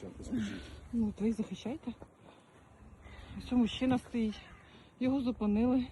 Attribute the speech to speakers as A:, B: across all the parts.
A: Скажіть.
B: Ну, то і захищайте. Ось мужчина стоїть. Його зупинили.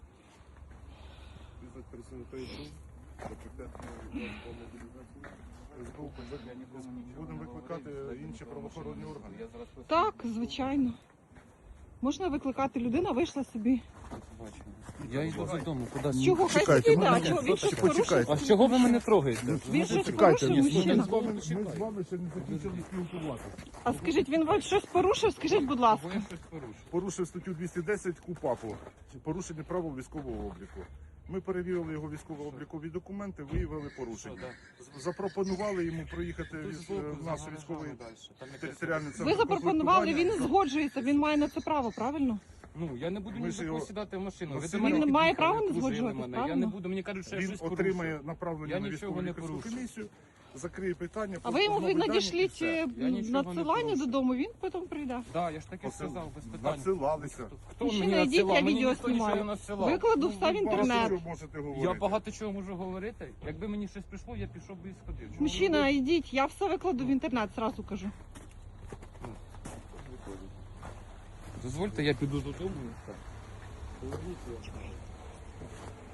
A: Будемо викликати інші правоохоронні органи.
B: Так, звичайно. Можна викликати, людина вийшла собі.
C: Я йду додому, куди?
B: З чого? Хай
A: Чекайте,
B: собі,
A: ну,
B: да,
A: ні,
B: чого? Він щось
A: почекайте.
B: порушив.
C: А з чого ви мене трогаєте?
B: Він щось
A: Чекайте,
B: порушив, мужчина.
A: ми з вами ще не закінчили спілкуватися.
B: А скажіть, він вам щось порушив? Скажіть, будь ласка.
C: Я щось порушив.
A: Порушив статтю 210 КУпАПу, порушення правил військового обліку. Ми перевірили його військово-облікові документи, виявили порушення. Запропонували йому проїхати в наш військовий територіальний центр.
B: Ви запропонували, він не
A: комплектування.
B: згоджується, він має на це право, правильно?
C: Ну, я не буду
A: Ми
C: ні
A: ж
C: за кого
A: його-
C: сідати в машину. Ви
A: Він
C: до мене
B: не має
C: під'їхали,
B: права не
C: окружили
B: згоджуватись,
C: мене. Я
B: правильно?
C: не буду, мені кажуть, що я
A: Він
C: щось
A: отримає
C: порушив.
A: направлення
C: Я
A: на
C: нічого
A: військову
C: не
A: лікарську
C: порушив.
A: комісію, закриє питання.
B: А ви йому
A: постановить дані і
B: надішліть
A: все.
C: Я нічого не
B: надсилання
C: порушив.
B: додому, він потім прийде.
C: Так, я ж таки сказав, без питань.
A: Надсилалися.
C: Хто
B: Мужчина,
C: мені
B: йдіть,
C: надсилав?
B: я
C: Мені
B: відео
C: ніхто нічого не
B: знімаю.
C: надсилав.
B: Викладу все в
A: Багато
B: інтернет.
A: чого можете говорити.
C: Я багато чого можу говорити. Якби мені щось прийшло, я пішов би і сходив. Чому
B: Мужчина,
C: ви-
B: йдіть, я все викладу в інтернет, зразу кажу.
C: Дозвольте, я піду додому. і все.